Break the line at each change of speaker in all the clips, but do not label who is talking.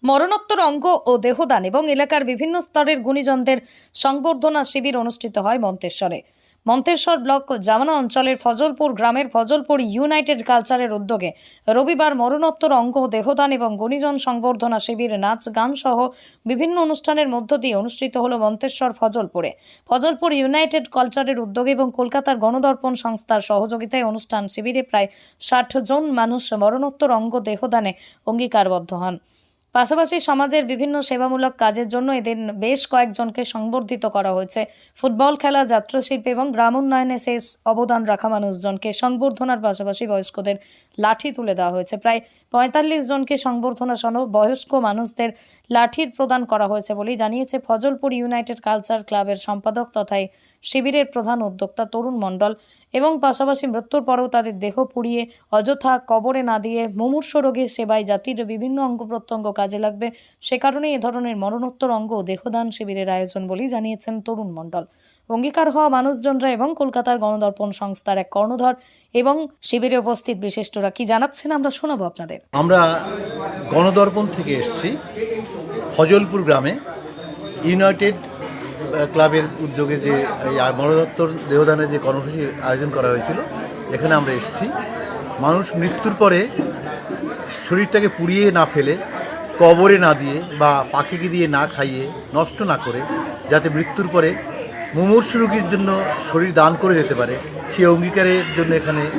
মরণোত্তর অঙ্গ ও দেহদান এবং এলাকার বিভিন্ন স্তরের গুণীজনদের সংবর্ধনা শিবির অনুষ্ঠিত হয় মন্তেশ্বরে। মন্তেশ্বর ব্লক জামানা অঞ্চলের ফজলপুর গ্রামের ফজলপুর ইউনাইটেড কালচারের উদ্যোগে রবিবার মরণোত্তর অঙ্গ দেহদান এবং গুণীজন সংবর্ধনা শিবির নাচ গান সহ বিভিন্ন অনুষ্ঠানের মধ্য দিয়ে অনুষ্ঠিত হল মন্তেশ্বর ফজলপুরে। ফজলপুর ইউনাইটেড কালচারের উদ্যোগে এবং কলকাতার গণদর্পণ সংস্থার সহযোগিতায় অনুষ্ঠান শিবিরে প্রায় ৬০ জন মানুষ মরণোত্তর অঙ্গ দেহদানে অঙ্গীকারবদ্ধ হন। পাশাপাশি সমাজের বিভিন্ন সেবামূলক কাজের জন্য এদিন বেশ কয়েকজনকে সংবর্ধিত করা হয়েছে। ফুটবল খেলা, যাত্রাশিল্পী এবং গ্রাম উন্নয়নে শেষ অবদান রাখা মানুষজনকে সংবর্ধনার পাশাপাশি বয়স্কদের লাঠি তুলে দেওয়া হয়েছে। প্রায় ৪৫ জনকে সংবর্ধনা সহ বয়স্ক মানুষদের লাঠির প্রদান করা হয়েছে বলেই জানিয়েছে ফজলপুর ইউনাইটেড কালচার ক্লাবের সম্পাদক তথা শিবিরের প্রধান উদ্যোক্তা তরুণ মণ্ডল। এবং পাশাপাশি মৃত্যুর পরেও তাদের দেহ পুড়িয়ে অযথা কবরে না দিয়ে মুমূর্ষ রোগীর সেবায় জাতির বিভিন্ন অঙ্গ প্রত্যঙ্গ কাজে লাগবে, সে কারণে এ ধরনের মরণোত্তর অঙ্গ দেহদান শিবিরের আয়োজন বলেই জানিয়েছেন তরুণ মণ্ডল। অঙ্গীকার হওয়া মানুষজনরা এবং কলকাতার গণদর্পণ সংস্থার এক কর্ণধার এবং শিবিরে উপস্থিত বিশিষ্টরা কি জানাচ্ছেন আমরা শোনাবো আপনাদের।
আমরা গণদর্পণ থেকে এসেছি ফজলপুর গ্রামে ইউনাইটেড ক্লাবের উদ্যোগে যে মরণোত্তর দেহদানের যে কর্মসূচি আয়োজন করা হয়েছিল, এখানে আমরা এসেছি। মানুষ মৃত্যুর পরে শরীরটাকে পুড়িয়ে না ফেলে, কবরে না দিয়ে বা পাখিকে দিয়ে না খাইয়ে নষ্ট না করে, যাতে মৃত্যুর পরে মুমূর্ষু রোগীর জন্য শরীর দান করে যেতে পারে, সেই অঙ্গীকারের জন্য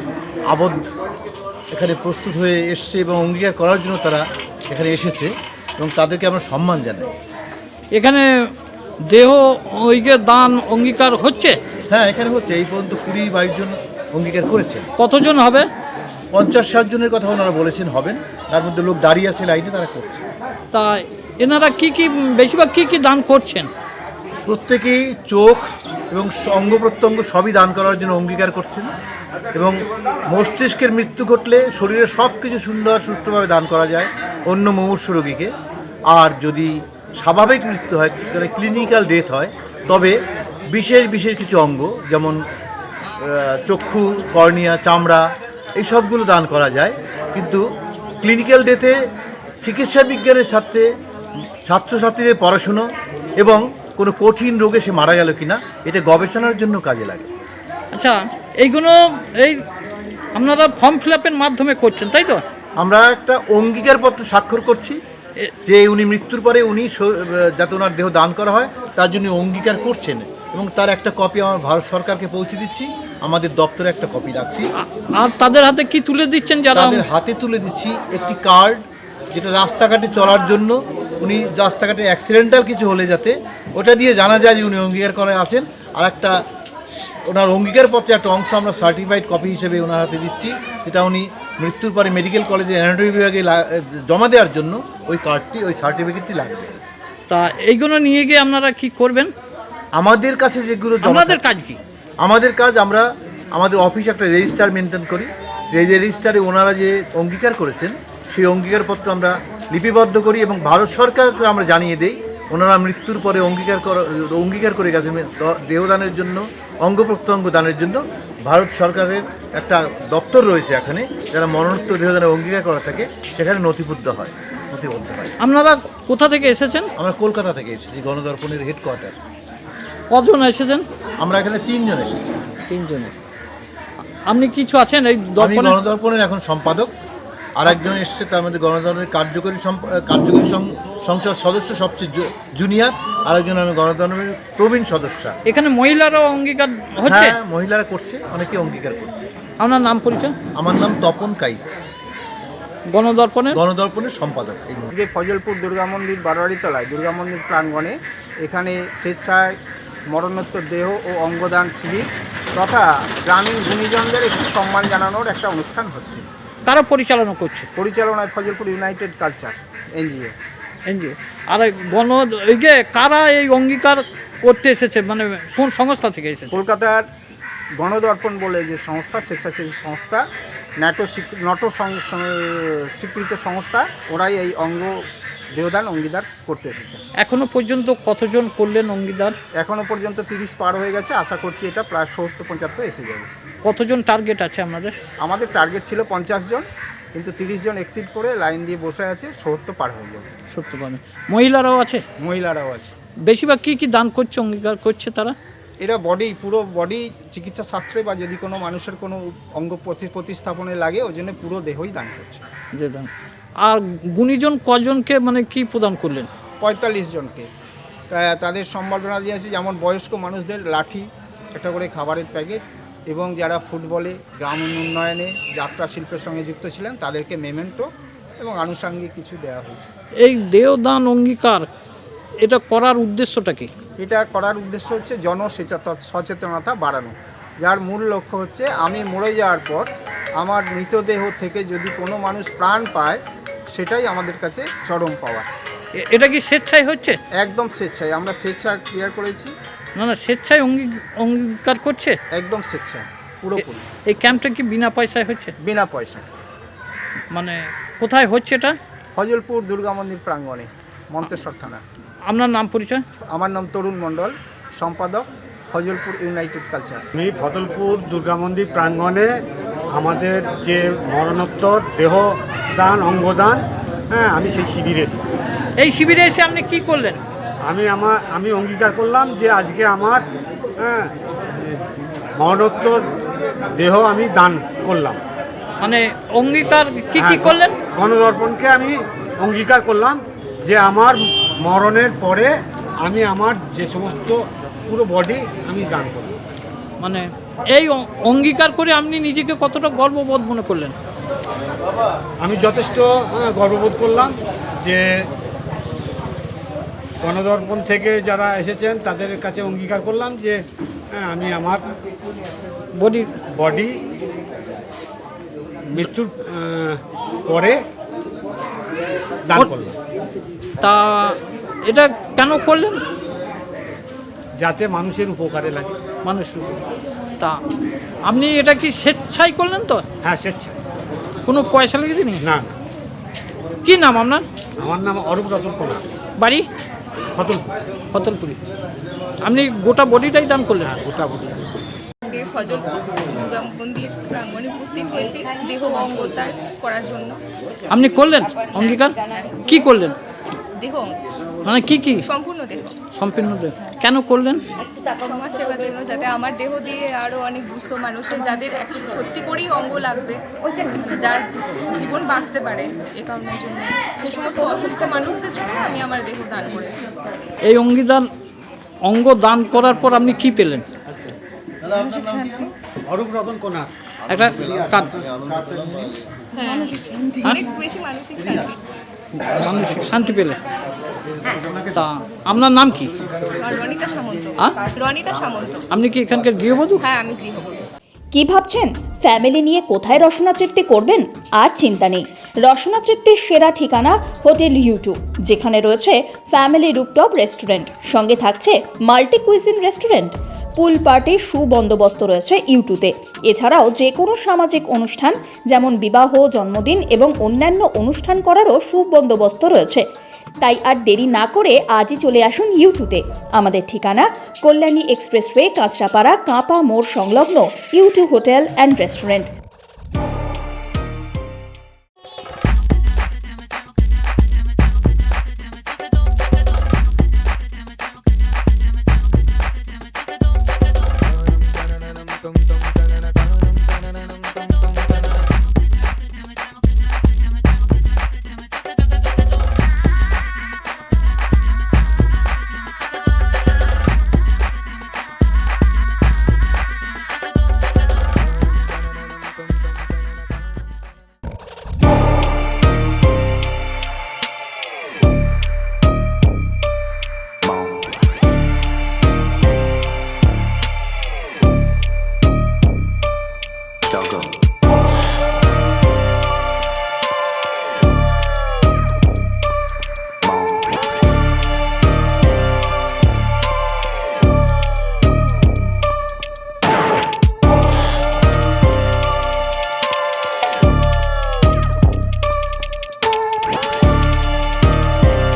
এখানে প্রস্তুত হয়ে এসছে এবং অঙ্গীকার করার জন্য তারা এখানে এসেছে এবং তাদেরকে আমরা সম্মান জানাই।
এখানে দেহ দান অঙ্গীকার হচ্ছে?
হ্যাঁ, এখানে হচ্ছে। এই পর্যন্ত 20-22 জন অঙ্গীকার করেছেন।
কতজন হবে?
50-60 জনের কথা ওনারা বলেছেন হবেন। তার মধ্যে লোক দাঁড়িয়ে আছে লাইনে, তারা করছে।
তা এনারা বেশিরভাগ কি দান করছেন?
প্রত্যেকেই চোখ এবং অঙ্গ প্রত্যঙ্গ সবই দান করার জন্য অঙ্গীকার করছেন এবং মস্তিষ্কের মৃত্যু ঘটলে শরীরের সব কিছু সুন্দর সুষ্ঠুভাবে দান করা যায় অন্য মুমূর্ষ রোগীকে। আর যদি স্বাভাবিক মৃত্যু হয়, ক্লিনিক্যাল ডেথ হয়, তবে বিশেষ কিছু অঙ্গ যেমন চক্ষু, কর্নিয়া, চামড়া, এই সবগুলো দান করা যায়। কিন্তু ক্লিনিক্যাল ডেথে চিকিৎসা বিজ্ঞানের সাথে ছাত্রছাত্রীদের পড়াশুনো এবং কোনো কঠিন রোগে সে মারা গেল কিনা, এটা গবেষণার জন্য কাজে লাগে।
আচ্ছা, এইগুলো আপনারা ফর্ম ফিল আপের মাধ্যমে করছেন, তাই তো?
আমরা একটা অঙ্গীকারপত্র স্বাক্ষর করছি যে উনি মৃত্যুর পরে যাতে ওনার দেহ দান করা হয় তার জন্য অঙ্গীকার করছেন এবং তার একটা কপি আমার ভারত সরকারকে পৌঁছে দিচ্ছি। আমাদের দপ্তরে একটা কপি রাখছি।
আর তাদের হাতে কি তুলে দিচ্ছেন?
তাদের হাতে তুলে দিচ্ছি একটি কার্ড, যেটা রাস্তাঘাটে চলার জন্য, উনি রাস্তাঘাটে অ্যাক্সিডেন্টাল কিছু হলে যাতে ওটা দিয়ে জানা যায় যে উনি অঙ্গীকার করে আসেন। আর একটা ওনার অঙ্গীকারপত্রে একটা অংশ আমরা সার্টিফাইড কপি হিসেবে ওনার হাতে দিচ্ছি, যেটা উনি মৃত্যুর পরে মেডিকেল কলেজে অ্যানাটমি বিভাগে জমা দেওয়ার জন্য ওই কার্ডটি, ওই সার্টিফিকেটটি লাগবে।
তা এইগুলো নিয়ে গিয়ে আপনারা কি করবেন?
আমাদের কাছে যেগুলো
আমাদের কাজ কি?
আমাদের কাজ, আমরা আমাদের অফিসে একটা রেজিস্টার মেনটেন করি। যে রেজিস্টারে ওনারা যে অঙ্গীকার করেছেন সেই অঙ্গীকারপত্র আমরা লিপিবদ্ধ করি এবং ভারত সরকারকে আমরা জানিয়ে দিই ওনারা মৃত্যুর পরে অঙ্গীকার করে গেছেন দেহদানের জন্য, অঙ্গ প্রত্যঙ্গ দানের জন্য। ভারত সরকারের একটা দপ্তর রয়েছে এখানে, যারা মরণোত্তর দেহদানের অঙ্গীকার করা থাকে সেখানে নথিবদ্ধ হয়।
আপনারা কোথা থেকে এসেছেন?
আমরা কলকাতা থেকে এসেছি, গণদর্পণের হেডকোয়ার্টার।
কজন এসেছেন?
আমরা এখানে 3 জন এসেছি।
3 জন। আপনি কিছু আছেন এই
গণদর্পণের এখন সম্পাদক। আর একজন এসছে, তার মধ্যে গণদর্পণের কার্যকরী সংসদ সদস্য, সবচেয়ে জুনিয়র। আরেকজন আমি গণদর্পণের প্রবীণ সদস্য।
এখানে মহিলারাও অঙ্গীকার হচ্ছে?
হ্যাঁ, মহিলারা করছে, অনেকে অঙ্গীকার করছে।
আপনার নাম পরিচয়?
আমার নাম তপন কাইত, গণদর্পণের সম্পাদক।
আজকে ফজলপুর দুর্গা মন্দির বারোয়ারিতলায় দুর্গা মন্দির প্রাঙ্গণে এখানে স্বেচ্ছায় মরণোত্তর দেহ ও অঙ্গদান শিবির তথা গ্রামীণ গুণীজনদের একটি সম্মান জানানোর একটা অনুষ্ঠান হচ্ছে।
কারা পরিচালনা করছে?
পরিচালনায় ফজলপুর ইউনাইটেড কালচার এনজিও।
আর কারা এই অঙ্গীকার করতে এসেছে, মানে কোন সংস্থা থেকে এসেছে?
কলকাতার গণদর্পণ বলে যে সংস্থা, স্বেচ্ছাসেবী সংস্থা, ন্যাটো স্বীকৃত সংস্থা, ওরাই এই দেহদান অঙ্গীদার করতে এসেছে।
এখনো পর্যন্ত কতজন করলেন অঙ্গীদার?
এখনো পর্যন্ত 30 পার হয়ে গেছে। আশা করছি এটা প্রায় 70-75 এসে যাবে।
কতজন টার্গেট আছে আপনাদের?
আমাদের টার্গেট ছিল 50 জন, কিন্তু 30 জন এক্সিট করে লাইন দিয়ে বসে আছে, 70 পার হয়ে যাবে।
সত্য পাবে। মহিলারাও আছে?
মহিলারাও আছে।
বেশিরভাগ কি দান করছে, অঙ্গীকার করছে তারা?
এরা পুরো বডি চিকিৎসা শাস্ত্রে বা যদি কোনো মানুষের কোনো অঙ্গ প্রতিস্থাপনে লাগে ওই জন্য পুরো দেহই দান করছে।
যে দান। আর গুণীজন কজনকে মানে কি প্রদান করলেন?
45 জনকে। তাদের সম্বর্ধনা দিয়েছে, যেমন বয়স্ক মানুষদের লাঠি, একটা করে খাবারের প্যাকেট, এবং যারা ফুটবলে, গ্রাম উন্নয়নে, যাত্রা শিল্পের সঙ্গে যুক্ত ছিলেন তাদেরকে মেমেন্টো এবং আনুষঙ্গিক কিছু দেওয়া হয়েছে।
এই দেহদান অঙ্গীকার এটা করার উদ্দেশ্যটা কি?
এটা করার উদ্দেশ্য হচ্ছে সচেতনতা বাড়ানো, যার মূল লক্ষ্য হচ্ছে আমি মরে যাওয়ার পর আমার মৃতদেহ থেকে যদি কোনো মানুষ প্রাণ পায় সেটাই আমাদের কাছে চরম পাওয়া।
এটা কি স্বেচ্ছায় হচ্ছে?
একদম স্বেচ্ছায়, আমরা স্বেচ্ছায় ক্লিয়ার করেছি।
না স্বেচ্ছায় অঙ্গীকার করছে?
একদম স্বেচ্ছায় পুরোপুরি।
এই ক্যাম্পটা কি বিনা পয়সায় হচ্ছে?
বিনা পয়সা।
মানে কোথায় হচ্ছে এটা?
ফজলপুর দুর্গা মন্দির প্রাঙ্গণে, মন্তেশ্বর থানা।
আপনার নাম পরিচয়?
আমার নাম তরুণ মণ্ডল, সম্পাদক, ফজলপুর ইউনাইটেড কালচার।
আমি ফজলপুর দুর্গা মন্দির প্রাঙ্গণে আমাদের যে মরণোত্তর দেহদান অঙ্গদান, আমি সেই শিবিরে এসেছি।
এই শিবিরে এসে আপনি কি করলেন?
আমি অঙ্গীকার করলাম যে আজকে আমার মরণোত্তর দেহ আমি দান করলাম।
মানে অঙ্গীকার কি করলেন?
গণদর্পণকে আমি অঙ্গীকার করলাম যে আমার মরণের পরে আমি আমার যে সমস্ত পুরো বডি আমি দান করব।
মানে এই অঙ্গীকার করে আপনি নিজেকে কতটা গর্ববোধ মনে করলেন?
আমি যথেষ্ট গর্ববোধ করলাম যে গণদর্পণ থেকে যারা এসেছেন তাদের কাছে অঙ্গীকার করলাম যে আমি আমার বডি মৃত্যুর পরে দান করলাম।
তা এটা কেন করলেন?
যাতে মানুষের উপকারে লাগে।
মানুষের তা আপনি এটা কি স্বেচ্ছায় করলেন তো?
হ্যাঁ, স্বেচ্ছায়।
কোনো পয়সা লেগেছে নি?
না।
কি নাম আপনার?
আমার নাম অরূপ রতন কুমার,
বাড়ি ফতলপুরি। আপনি গোটা বডিটাই দান করলেন?
হ্যাঁ, গোটা বডি।
আজকে ফজলপুর দুর্গা মন্দির প্রাঙ্গণে উপস্থিত হয়েছি দেহ অঙ্গদান করার জন্য।
আপনি করলেন অঙ্গীকার? কি করলেন?
দেহ অঙ্গ
মানে কি
সম্পূর্ণ দেহ।
সম্পূর্ণ দেহ কেন করলেন?
সমাজ সেবার জন্য, যাতে আমার দেহ দিয়ে আরও অনেক দুস্থ মানুষের যাদের সত্যি করেই অঙ্গ লাগবে, যার জীবন বাঁচতে পারে, এ কারণের জন্য সে সমস্ত অসুস্থ মানুষদের জন্য আমি আমার দেহ দান করেছি।
এই অঙ্গ দান করার পর আপনি কি পেলেন?
অরূপ রতন কুমার
একটা কান
অনেক বেশি মানসিক শান্তি।
মানসিক শান্তি পেলে। তা আপনার নাম কি?
রনিতা সামন্ত।
হ্যাঁ?
রনিতা সামন্ত।
আপনি কি এখানকার গৃহবধূ?
হ্যাঁ, আমি গৃহবধূ।
কি ভাবছেন ফ্যামিলি নিয়ে কোথায় রসনা তৃপ্তি করবেন? আর চিন্তা নেই, রসনা তৃপ্তির সেরা ঠিকানা হোটেল ইউ2, যেখানে রয়েছে ফ্যামিলি রুফটপ রেস্টুরেন্ট, সঙ্গে থাকছে মাল্টি কুইজিন রেস্টুরেন্ট, পুল পার্টির সুবন্দোবস্ত রয়েছে ইউ2তে। এছাড়াও যে কোনো সামাজিক অনুষ্ঠান যেমন বিবাহ, জন্মদিন এবং অন্যান্য অনুষ্ঠান করারও সুবন্দোবস্ত রয়েছে। তাই আর দেরি না করে আজই চলে আসুন ইউ2তে। আমাদের ঠিকানা কল্যাণী এক্সপ্রেসওয়ে, কাঁচরাপাড়া, কাঁপা মোড় সংলগ্ন ইউ2 হোটেল অ্যান্ড রেস্টুরেন্ট।